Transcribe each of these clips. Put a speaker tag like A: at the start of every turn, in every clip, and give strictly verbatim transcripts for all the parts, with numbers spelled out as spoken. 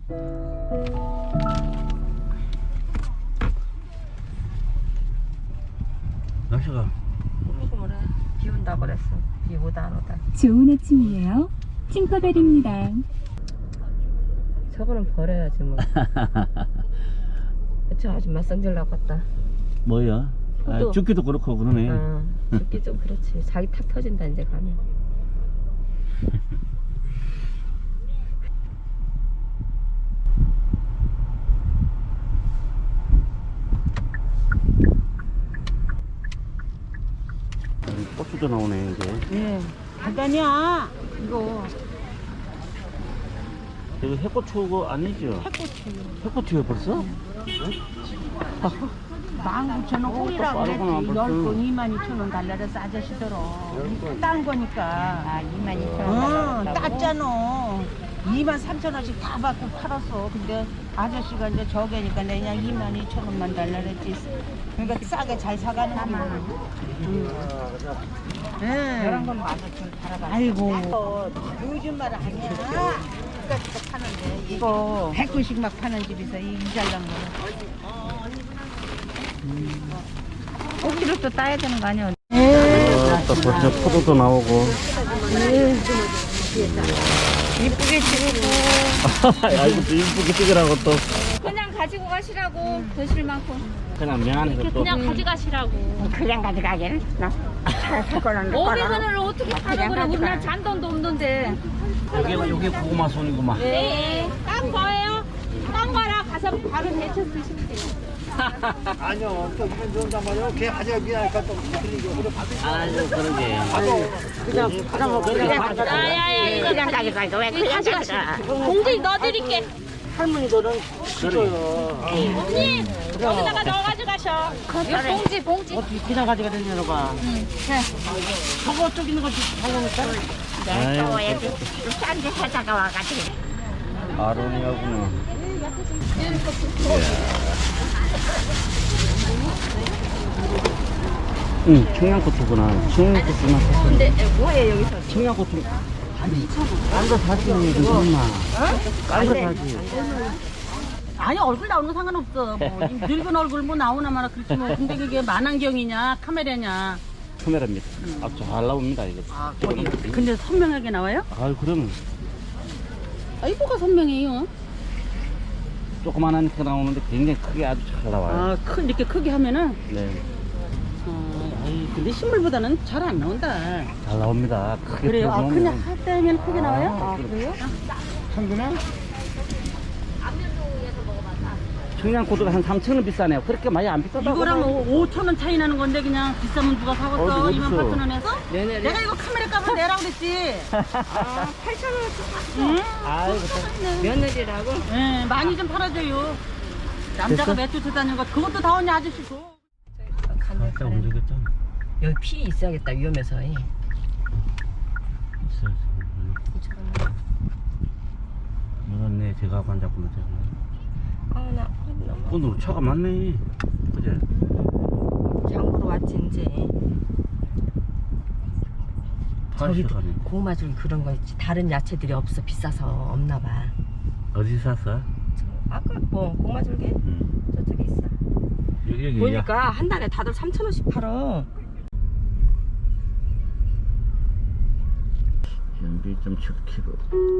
A: 날씨가
B: 꾸물꾸물해. 비 온다 그랬어. 비 오다 안 오다.
C: 좋은 아침이에요. 팅커벨입니다.
B: 저거는 버려야지 뭐. 저 아줌마 성질 나갔다.
A: 뭐야? 아,
B: 또.
A: 죽기도 그렇고 그러네.
B: 어, 죽기 좀 그렇지. 자기 탁 터진다 이제 가면.
A: 고추도 나오네 이제.
D: 예. 간단이야. 이거
A: 이거 해고추가 아니죠?
D: 해고추.
A: 해고추요 벌써?
D: 만 구천 원 홀이라고
A: 빠르구나,
D: 그랬지.
A: 벌써.
D: 열 건 이만 이천 원 달라서 아저씨들어. 딴 거니까.
B: 아, 이만 이천
D: 응,
B: 원.
D: 땄잖아. 이만 삼천 원씩 다 받고 팔았어. 근데 아저씨가 이제 저게니까 내가 그냥 이만 이천 원만 달라 그랬지. 그러니까 싸게 잘 사가는 거야. 응.
B: 열한 건 만 오천 원 팔아봐.
D: 아이고. 요즘 말 아니야. 그까짓 거 파는데. 이거 백 원씩 막 파는 집에서 이 잘난 거.
B: 오 킬로 또 따야 되는 거 아니야?
A: 어, 또 벌써 포도도 나오고.
B: 이쁘게 찍고.
A: 아 이것도 이쁘게 찍으라고 또.
E: 그냥 가지고 가시라고 드실 만큼
A: 그냥 미안해서 또.
E: 그냥 가져가시라고.
D: 그냥 가져가기는
E: 오백 원을 어떻게 팔아 그래? 우리나라 잔돈도 없는데.
A: 여기 여기 고구마 손이구만.
E: 네, 딴 거예요. 딴 거라 가서 바로 데쳐 드시면 돼요.
F: 아니요, 또 이건 좋은단 말이에요. 걔 가져가 미안하니까 또 틀리고. 그래, 받으시
A: 아유 그러게.
F: 그냥, 그냥, 그냥 가져가.
E: 야야야 이거 그냥 가져가. 왜 그냥 가져가? 봉지 넣어드릴게.
F: 할머니들은 싫어요.
E: 언니 여기다가 넣어 가져가셔. 이거 봉지 봉지.
F: 어떻게 그냥 가져가 되냐고 봐. 저거 쪽 있는 거 달라니까.
A: 아유
D: 싼데 사다가 와가지고.
A: 아로니아구나. 응, 청양고추구나. 청양고추나.
B: 근데 뭐해 여기서?
A: 청양고추. 딴거 사지, 그놈아. 딴거 사지.
D: 아니 얼굴 나오는 거 상관없어. 뭐 이 늙은 얼굴 뭐 나오나 마나 그렇지 뭐. 근데 그게 만안경이냐 카메라냐.
A: 카메라입니다. 아, 잘 나옵니다, 이거.
D: 아 거기. 근데 선명하게 나와요?
A: 아유, 그러면
D: 아 이거가 선명해요.
A: 조그만하니까 나오는데 굉장히 크게 아주 잘 나와요.
D: 아큰 이렇게 크게 하면은.
A: 네.
D: 어, 아이, 근데 식물보다는 잘 안 나온다.
A: 잘 나옵니다. 크게
D: 그래요? 아
A: 들어보면.
D: 그냥 할 때면 크게 나와요?
A: 아,
D: 아 그래요?
F: 한근에
A: 청양고추가 한 삼천 원 비싸네요. 그렇게 많이 안 비싸다고.
D: 이거랑 오천 원 차이 나는 건데 그냥 비싸면 누가 사겠어?
A: 어디, 어디서?
D: 이만 팔천 원에서?
B: 네네.
D: 내가 이거 카메라 값을 내라 그랬지.
B: 아, 팔천 원
D: 응?
A: 아이고,
B: 며느리라고?
D: 네, 많이 좀 팔아줘요. 남자가
A: 됐어?
D: 매주 다니는 거 그것도 다 언니 아저씨 줘.
A: 살짝 움직였죠?
B: 여기 피 있어야겠다 위험해서.
A: 있어요. 물었네, 제가 반잡고 제가.
B: 아나 너무
A: 오늘 차가 많네. 그제?
B: 장보러 왔지 이제. 저기
A: 팔십 가네.
B: 고구마 줄 그런 거 있지. 다른 야채들이 없어 비싸서 없나 봐.
A: 어디 샀어?
B: 저, 아까 뭐 고구마 줄게
A: 응.
B: 저쪽에 있어.
A: 여기, 여기.
B: 보니까 한 달에 다들 삼천 원씩 팔어.
A: 연비 이 점 칠 킬로그램.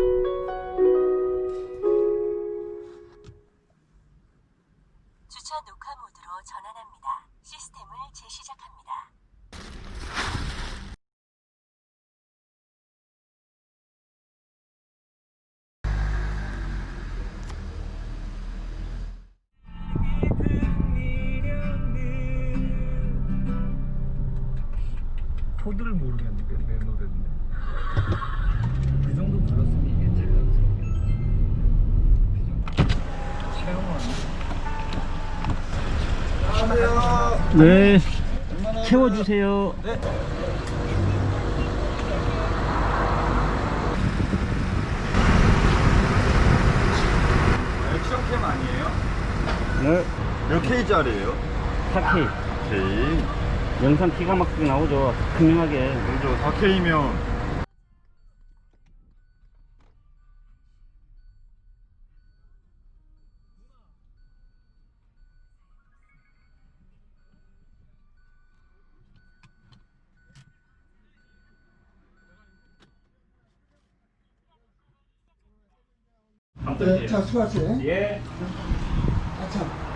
G: 주차 녹화 모드로 전환합니다. 시스템을 재시작합니다.
F: 코드를 모르겠는데 내 노래인데. 그 정도 불렀으면 이게 제일
A: 네. 채워주세요.
F: 네. 액션캠 아니에요?
A: 네.
F: 몇 케이짜리예요?
A: 사 케이.
F: K.
A: 영상 기가 막히게 나오죠. 분명하게.
F: 그죠. 사 케이면
H: 어떤지.
F: 자, 수고하세요.
H: 예.
F: 아, 참.